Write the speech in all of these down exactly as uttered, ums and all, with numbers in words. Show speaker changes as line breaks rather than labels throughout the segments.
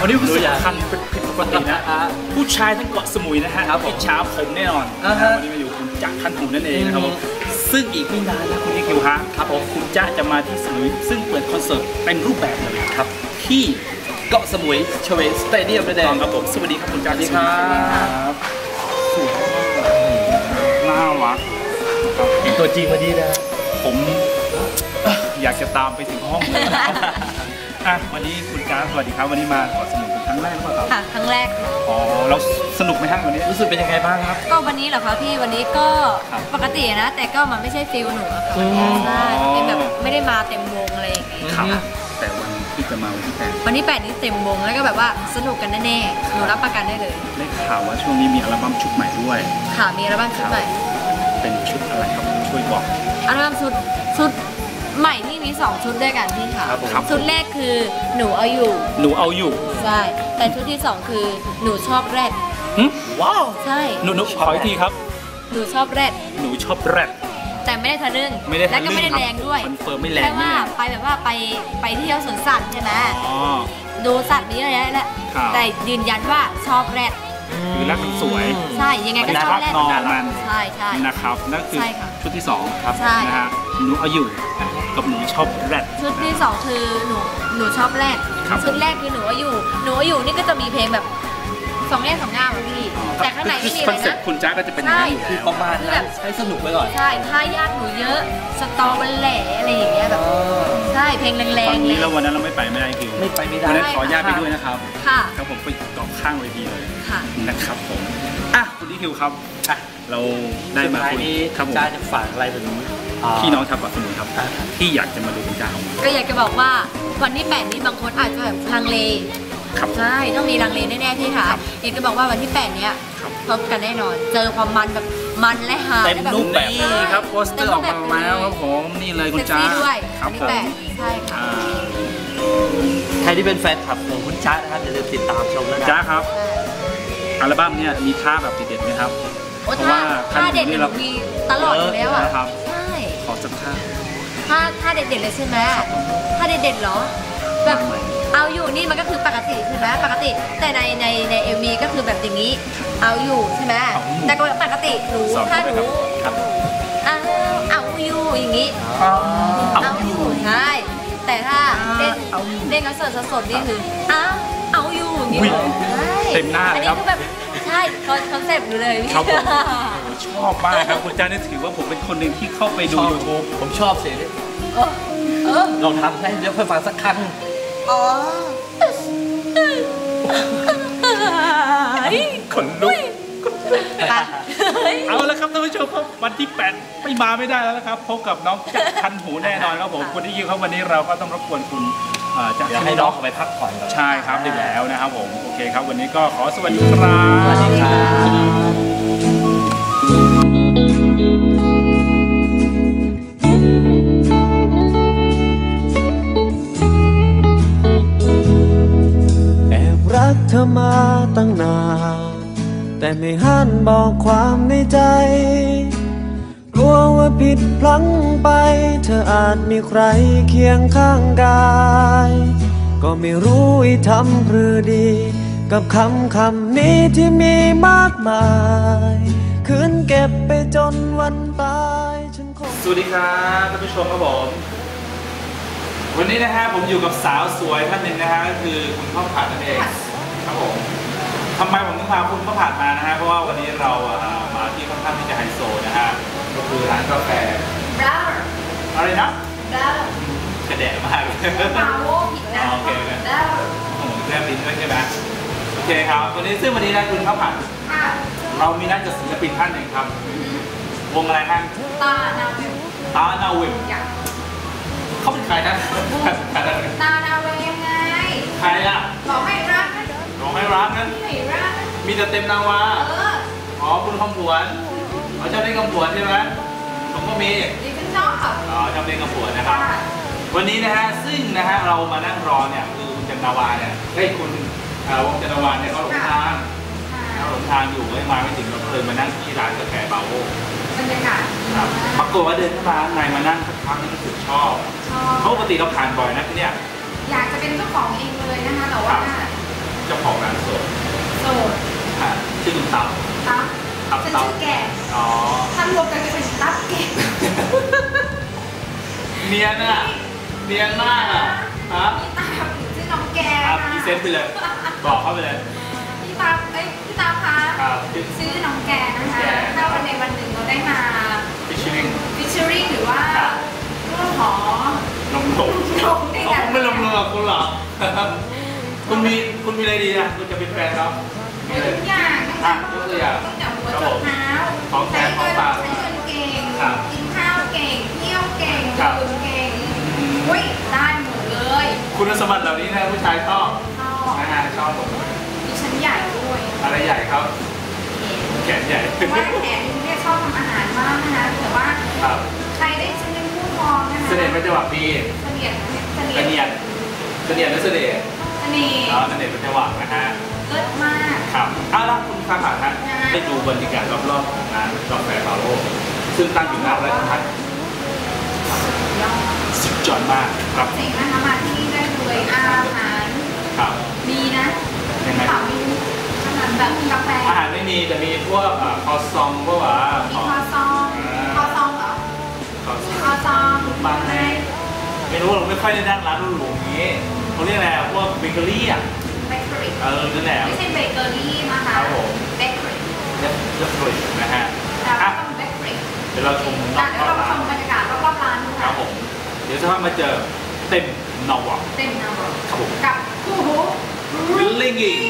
วันนี้รู้สึกคันเป็นผิดปกตินะผู้ชายทั้งเกาะสมุยนะฮะอิจฉาผมแน่นอนวันนี้มาอยู่คุณจ๊ะคันหูนั่นเองนะครับผมซึ่งอีกไม่นานนะคุณนิคิวฮะครับผมคุณจ๊ะจะมาที่สมุยซึ่งเปิดคอนเสิร์ตเป็นรูปแบบเลยครับที่
เกาะสมุยเชเวสเตเดียมนั่นเอง
ครับผมสวัสดีครับคุณจ๊ะสวัสดีครับสวยน่ารัก
เห็นตัวจริงมาดีนะ
ผมอยากจะตามไปถึงห้องเลยอ่ะวันนี้คุณจ๊ะสวัสดีครับวันนี้มาเกาะสมุยเป็นครั้งแรกหรือเปล่าครับ
ค่ะครั้งแรก
อ๋อเราสนุกไหมฮะวันนี้รู้สึกเป็นยังไงบ้างครับ
ก็วันนี้เหรอคะพี่วันนี้ก็ปกตินะแต่ก็มันไม่ใช่ฟิลหนูอะค่ะใช่เป็นแบบไม่ได้มาเต็มวงอะไรอย่างเงี้ย
ครับแต่วันที่จะมาวันที่แปด
วันที่แปดนี้เต็มวงแล้วก็แบบว่าสนุกกันแน่ๆหนูรับประกันได้เลย
ได้ข่าวว่าช่วงนี้มีอัลบั้มชุดใหม่ด้วย
ค่ะมีอัลบั้มชุดใหม่
เป็นชุดอะไรครับช่วยบอก
อัลบั้มชุดชุดใหม่ที่มีสองชุดด้วยกันพี่ค่ะชุดแรกคือหนูเอาอยู่
หนูเอาอยู่
ใช่แต่ชุดที่สองคือหนูชอบแรด
ว้าว
ใช่
หนูหนูขออีกทีครับ
หนูชอบแรด
หนูชอบแรด
แต่ไม่ได้ทะลึ่งและก็ไม่ได้แรงด้วย
คอนเฟิร์มไม่แรง
แค่ว่าไปแบบว่าไปไปเที่ยวสวนสัตว์ใช่ไหมดูสัตว์นี้อะไรนั่นแหละแต่ยืนยันว่าชอบแรด
คือแรดมันสวย
ใช่ยังไงก็ชอบแรด
มัน
ใช่ใช่
นะครับนั่นคือชุดที่สองครับนะฮะหนูเอาอยู่กับหนูชอบแรด
ชุดที่สองคือหนูหนูชอบแรดชุดแรกคือหนูเอาอยู่หนูเอาอยู่นี่ก็จะมีเพลงแบบสองแง่สองง่ามพี่แต่ข้างในไม่มีอะไรนะคอนเซ็ปต์
คุณจ๊ะก็จะเป็นอย่างนี้อยู่
แล้วประมาณนั้นให้สนุกไปก่อน
ใช่ท่ายากหนูเยอะสตอบันแหล่อะไรอย่างเงี้ยแบบใช่เพลงแรงๆเลย
นี้แล้ววันนั้นเราไม่ไปไม่ได้คิว
ไม่ไปไม่ได้
วันนั้นขอญาตไปด้วยนะครับ
ค่ะ
ครับผมไปเกาะข้างเวทีเลย
ค่ะ
นะครับผมอ่ะคุณนิคิวครับอ่ะเราได้มาคุยครับผม
จ๊ะจะฝากอะไรถึง
พี่น้องชาวเกาะสมุยครับที่อยากจะมาดูคุณจ๊ะ
ก็อยากจะบอกว่าวันที่แปดนี้บางคนอาจจะแบบลังเลใช่ต้องมีลังเลแน่ๆพี่ค่ะอยากจะบอกว่าวันที่แปดเนี้ยพบกันแน่นอนเจอความมันแบบมันและฮา
เต็มรูปแบบนี่ครับโปสเตอร์ออกมาแล้วครับผมนี่เลยคุณจ๊ะ
ด้วยวันที่แปดใช่ค่ะ
ใครที่เป็นแฟนคลับของคุณจ๊ะนะครับอย่าลืมติดตามชมนะ
จ๊ะครับอัลบั้มเนี่ยมีท่าแบบเด็ดๆไหมครับ
เพราะว่าท่าเด็ดเรามีตลอดอยู่แล้วอ่ะใช่
ขอสักท่า
ท่าท่าเด็ดๆเลยใช่ไหมท่าเด็ดๆเหรอแบบเอาอยู่นี่มันก็คือปกติใช่ไหมปกติแต่ในในในเอ็มวีก็คือแบบอย่างนี้เอาอยู่ใช่ไหมแต่ปกติหนูถ้าหนูเอาเอาอยู่อย่างนี้เอาอยู่ใช่แต่ถ้าเล่นเล่นคอนเสิร์ตสดๆนี่คือเอาเอาอยู่อย่างนี้
เต็มหน้าเลยครับ
ใช่คอนเซ็ปต์หนูเลยพี่
ชอบมากครับคุณจ๊ะนี่ถือว่าผมเป็นคนหนึ่งที่เข้าไปดูยูทูบ
ผมชอบเสียงลองทำให้เดี๋ยวเพื่อฟังสักครั้ง
อ๋อ
ขนลุกเอาละครับท่านผู้ชมครับวันที่แปดไม่มาไม่ได้แล้วนะครับพบกับน้องจ๊ะคันหูแน่นอนครับผมคุณที่ยินครับวันนี้เราก็ต้องรบกวนคุณ
จะให้น้องไปพักผ่อนก่อน
ใช่ครับได้แล้วนะครับผมโอเคครับวันนี้ก็ขอสวัสดีครับ
สวัสดีครับ
เธอมาตั้งนานแต่ไม่หันบอกความในใจกลัวว่าผิดพลั้งไปเธออาจมีใครเคียงข้างกายก็ไม่รู้อีทำหรือดีกับคำคำนี้ที่มีมากมายคืนเก็บไปจนวันตายฉันคง
สวัสดีครับท่านผู้ชมครับผมวันนี้นะฮะผมอยู่กับสาวสวยท่านหนึ่งนะฮะก็คือคุณพ่อผัดนั่นเองครับผมทำไมผมต้องพาคุณพ่อผัดมานะฮะเพราะว่าวันนี้เรามาที่ค่อนข้างที่จะไฮโซนะฮะก็คือร้านกาแฟ
บราวน์
อะไรนะ
บราวน์
กระแดะมากเลย
บราวน์ผิดนะ
โอเคกันบราวน์โอ้โหแค่บินด้วยใช่ไหมโอเคครับวันนี้ซึ่งวันนี้นะคุณพ่อผัดเรามีนัดกับศิลปินท่านหนึ่งครับวงอะไรฮะ
ตานาวิม
ตานาวิมเขาเป็นใครนะ
ตานาวิมไง
ใครอ่ะ
หล่อไม่รัก
ร้องไม่รักนั้นมีแต่เต็มนาวาอ๋อคุณคำผวนเขาชอบเล่นคำผวนใช่ไหมผมก็มี
ดิฉันชอบ
อ๋อชอบเล่นคำผวนนะครับวันนี้นะฮะซึ่งนะฮะเรามานั่งรอเนี่ยคือคุณจันทวาเนี่ยให้คุณวงจันทวาเนี่ยเขาหลงทางเขาหลงทางอยู่ไม่มาไม่ถึงเราเลยมานั่งที่ร้านกาแฟบาโว
บรรยากาศ
ครับปรากฏว่าเดินเข้ามาข้างในมานั่งสักพักนึงรู้สึกชอบเพราะปกติเราผ่านบ่อยนะที่เนี่ย
อยากจะเป็นเจ้าของเองเลยนะคะแต่ว่า
เจ้าของร้านโสด
โสด
ค่ะชื่อคุณตับ
ตั๊บ
ตับ
ฉัน
ตับ
ชื่อแก่
อ๋อ
ถ้ารวมกันก็เป็นตั๊บแก่
เนียนอ่ะเนียนมากอ่ะฮะ
พี่ตั๊บชื่อน้องแก่
ครับ
นะ
พรีเซนต์ไปเลย บอกเข้าไปเลย
พี่ตั๊บเอ้ยพี่ตั๊บคะ
ครับชื่อ
ชื่อน้องแก่นะคะ
แก่
ถ้าวันในวันหนึ่งเราได้มา
ฟิชชิ่ง
ฟิชเชอริ่งหรือว่า
ครับ
เรื่องของ
ลงลง
ลงใน
เขา
การ
คงไม่ลงลงกับคุณหรอก คุณมีคุณมีอะไรดีนะคุณจะเป็นแฟนเขามีอะไร
ทุกอย่าง
อ่ะยกตัวอย่าง
ตั้งแต่หัวจดเท้า
ของแท้
ใช้
ของ
เงิน
ฝาก
ใช้เงินเก่ง
ครับ
กินข้าวเก่ง เที่ยวเก่ง
ครับ
ดื่มเก่ง
อืม
อุ้ยได้หมดเลย
คุณสมบัติเหล่านี้นะผู้ชายชอบ
ชอบ
นะฮะชอบหมด
ดิฉันใหญ่ด้วย
อะไรใหญ่ครับแขนใหญ่
เพราะว่าแขนเนี่ยชอบทำอาหารมากนะคะแต่ว่า
ครับ
ใครได้ฉันเป็นผู้ครองนะคะ
เสน่ห์เป็นจังหวะดี
เสนียดเสนี
เส
ยด
นียดเสนียดและเสน่ห์
เสน่ห์
อ๋อเสน่ห์เป็นจังหวะนะฮะ
เลิศมาก
ครับเอาล่ะคุณข้าผ่านฮะ
นะ
ได้ดูบรรยากาศรอบๆของงานกาแฟฟาโร่ซึ่งตั้งอยู่หน้าราชพัฒน์
ยอด
สุดยอดมากครับ
เจ๋งนะคะมาที่นี่ได้เลยอาหาร
ครับ
มีนะ
ยังไง
ถามมีอาหารแบบกาแฟ
อาหารไม่มีแต่มีพวกอ่าคอซองพวกว่า
มี
ของ
คอซองคอซองเหรอ
คอซอง
คอซอง
บางแห่งไม่รู้เราไม่ค่อยได้นั่งร้านหรูๆอย่างนี้เขาเรียกอะไรอ่ะพวกเบเกอรี่อ่ะ
เบเกอรี่
เออนั่นแหละ
ไม่ใช่เบเกอรี่นะคะ
ครับผม
เบเกอรี่
เรียบเรียบร้อยนะฮะ
แต่ว่า
อ่ะ
ต้องเบเกอรี่
เดี๋ยวเราชมร
แต่
อบ
เดี๋ยวเรา
ร้า
ช
น
มบรรยากาศรอบๆร้านนะ
ครั
คะ
บผม เดี๋ยวจะพามาเจอเต็มนอวะ
เต็มนะ
ครับผม
กับคู่หู
ลิงกิ้ง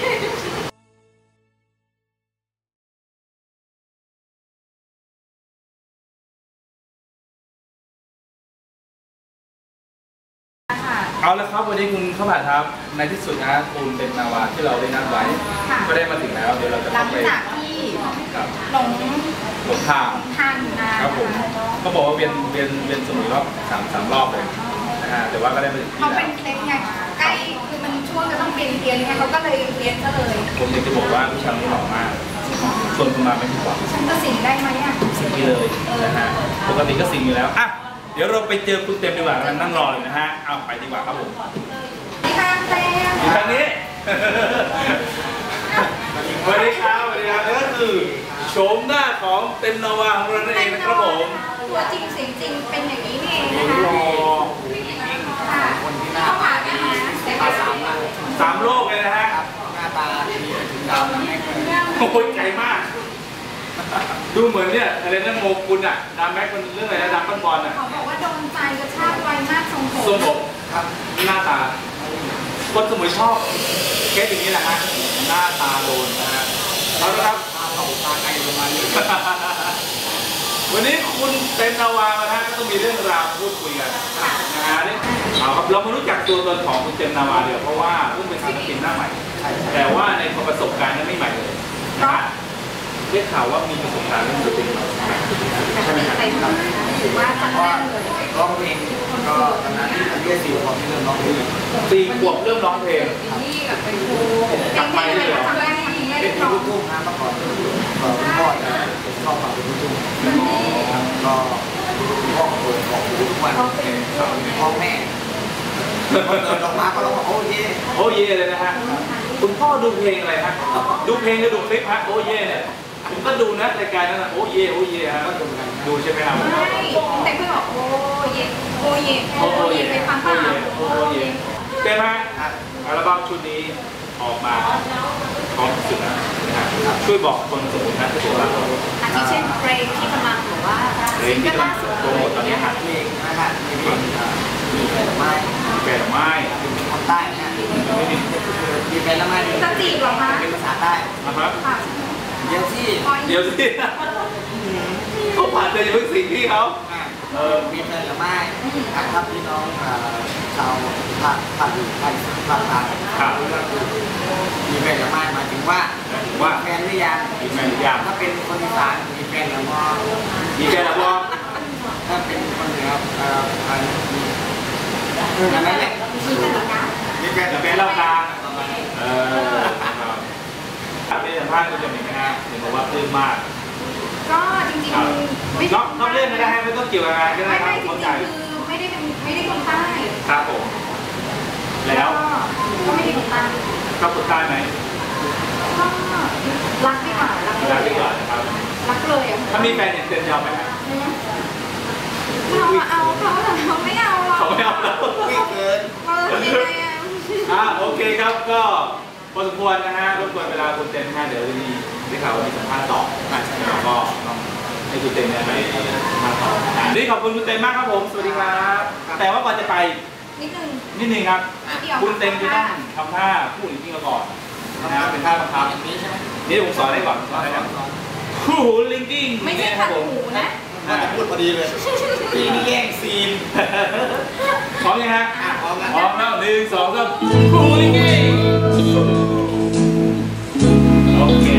ค่ะ
เอาละครับวันนี้คุณเข้าผ่านครับในที่สุดนะคุณเป็นนาวาที่เราได้นัดไว้
ค่ะ
ก็ได้มาถึงแล้วเดี๋ยวเราจะ
หลั
เข้าง ไป
จากที่
ครับ
หลง
หลงทาง
ทางอยู่นะครับ
ผมเขาบอกว่าเวียนเวียนเวียนสมุยรอบสามสามรอบเลยนะฮะแต่ว่าก็ได้มาถึงที่
เขา
แล้
เป็น
ว
เคล็ดไงใกล้คือมันช่วงจะต้องเปลี่ยนเปลี่ยนไงเขาก็เลยเปลี่ยนซะเลย
ผมอยากจะบอกว่าผู้ชายคนนี้หล่อมากชวนคุณมาไม่ผิดหวัง
ฉันจะสิงได้ไหมอ่ะ
สิ่งนี้เลยนะฮะปกติก็สิ่งอยู่แล้วอ่ะเดี๋ยวเราไปเจอคุณเต็มดีกว่าเรานั่งรอเลยนะฮะเอาไปดีกว่าครับผม
นี่ค่ะเต็ม
อยู่ทางนี้ สวัสดีครับสวัสดีครับนี่ก็คือโฉมหน้าของเต็มนาวาของเรานั่นเองนะครับผม
ตัวจริงเสียงจริงเป็นอย่างนี้นี่เอง
โอ้
นะคะ
โห
ค่ะเข้าผ่านนะคะแต่ก็สาม
สามโลกเลยนะฮะ
หน้าตาดีถึงดาวแม็กเลย
โอ้ยไกลมาก ดูเหมือนเนี่ยอะไรนะโมกุลอ่ะดามแม็กมันเรื่องอะไรนะดามปั้นบอลอ่ะ
เขาบอกว่าโดนใจกระชากไวมากทรงผม
ทรงผมครับหน้าตา คนสมุยชอบเคสอย่างนี้แหละฮะหน้าตาโดนนะฮะเอาละครับ
ตาเขาตาไกลประมาณนี้
วันนี้คุณเต็มนาวานะฮะก็ต้องมีเรื่องราวพูดคุยกันนะฮะนี่เอาครับเรามารู้จักตัวตนของคุณเต็มนาวาเดี๋ยวเพราะว่าเพิ่งเป็นศิลปินหน้าใหม่ แต่ว่าในประสบการณ์นั้นไม่ใหม่เลยนะฮะได้ข่าวว่ามีประสบการณ์เรื่องดนตรีมา
แต่ก็ติดเต็มเลยถือว่าจัดแน่นเลย
ร้องเพลงก็ตอนนั้นอายุสี่ขวบที่เริ่มร้องเพลง
สี่ขวบเริ่มร้องเพลง
นี่กับเป็นครูเก่งๆเลยทำได้ทำได้
เป็น
ร้อง
ลูกทุ่งนะเมื่อก่อนก็คุณพ่อจะชอบฟังเป็นลูกทุ่งก็คุณพ่อเปิดของทุกวันพ่อแม่เปิดออกมาก็ร้องโอ้ย
โอ้เย่เลยนะฮะคุณพ่อดูเพลงอะไรฮะดูเพลงหรือดูคลิปฮะโอ้เย่เนี่ยผมก็ดูนะรายการนั้นนะโอ้เย่โอ้เย่ฮะก็ดูกันดูใช่ไหมครับ
ไม่แต่เพื่อนบอกโอ้เย่โอ้เย่โอ้เย่ไปฟังเปล่า
โอ้เย่เต็มฮะอัลบั้มชุดนี้ออกมาพร้อมสุดนะช่วยบอกคนสมุนนะที่ตัวเรา
อาทิเช่นเพลงที่กำลังหรือว่า
เพลงที่กำลังโปรโมทตอนนี้ฮะ
เพลงนะครับมีเพลงมีแฟนไม้
แก่ดอกไม้
เป็นคนใต้นะมีแฟนละไม้
จะจีบหรอคะ
เป็นภาษาใต้
นะครับ
ค่ะ
เดี๋ยวที่
เดี๋ยวสิเขาผ่านเลยอย่าเพิ่งสิงพี่เขา
เออมีแฟนละไม้ครับพี่น้องชาวภาคภาคอื่นภาคภาคกลางมีแฟนละไม้หมายถึงว่า
ว่า
แฟนหรือยัง
มีแฟนหรือยัง
ถ้าเป็นคนอีสานมีแฟนละมอ
มีแฟนแล้วบ่
ถ้าเป็นคนเหนือเอ่ออันอันนั้นแหละ
มีกันเหรอคะ
มีแฟน
จะ
ละ
เป็นเล่ากลางเออครับได้สัมภาษณ์คุณจะมีไหมฮะเห็นบอกว่าปลื้มมาก
ก็จริง
ครับ
ๆไม่
นอกนอกเรื่องไม่ได้ไม่ต้องเกี่ยวกับงานก็ได้
ไม่
ครั
ไม่
บ
จริ
เข้าง ใจ
ๆคือไม่ได้เป็นไม่ได้คนใต้
ครับผมแล้ว
ก็ไม่ได้คนใต้
เอบคนใต้ไหม
ก็รักดีกว่ารัก
รักดีกว่านะครับ
รักเลยอ่ะ
ถ้ามีแฟนเนี่ยเต็มยอมไหมครับ
เราเอาเขาแต่เราไม่เอาหรอก
เขาไม่เอาแล้ว
วิ่งเกิน
เออยังไงอ่ะ
อ่ะโอเคครับก็พอสมควรนะฮะรบกวนเวลาคุณเต็มนะฮะเดี๋ยวมีได้ข่าวว่ามีสัมภาษณ์ต่อเราก็ต้องให้คุณเต็มเนี่ยไปสัมภาษณ์ต่อวันนี้ขอบคุณคุณเต็มมากครับผมสวัสดีครับแต่ว่าก่อนจะไป
นิดนึง
นิดนึงครับ
นิดเดียว
คุณเต็มจะต้องทำท่าพูดอีกทีมาก่อนนะเป็นท่าบังคับ
อย่างนี้ใช่ไหม
นี่ผมสอนได้ก่อนสอนได้ก่อนคู่หูลิงกิ้ง
ไม่ใช่
ค
ขั
รั
ด
บผม
หูนะ
ว่าจะพูดพอดีเลยพี่นี่แย่งซีน
พร้อมยังฮะ
อ่ะพร้อมนะ
พร้อมแล้วหนึ่งสองสามคู่หูลิงกิ้งโอเค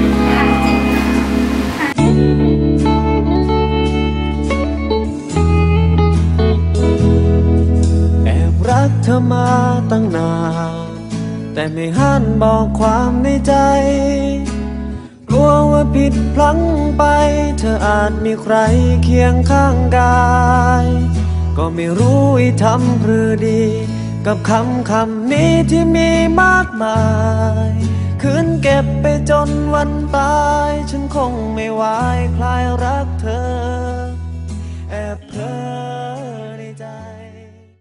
แอบรักเธอมาตั้งนานแต่ไม่หันบอกความในใจ กลัวว่าผิดพลั้งไป เธออาจมีใครเคียงข้างกาย ก็ไม่รู้อีทำหรือดี กับคำคำนี้ที่มีมากมายคืนเก็บไปจนวันตาย ฉันคงไม่ไหวคลายรักเธอ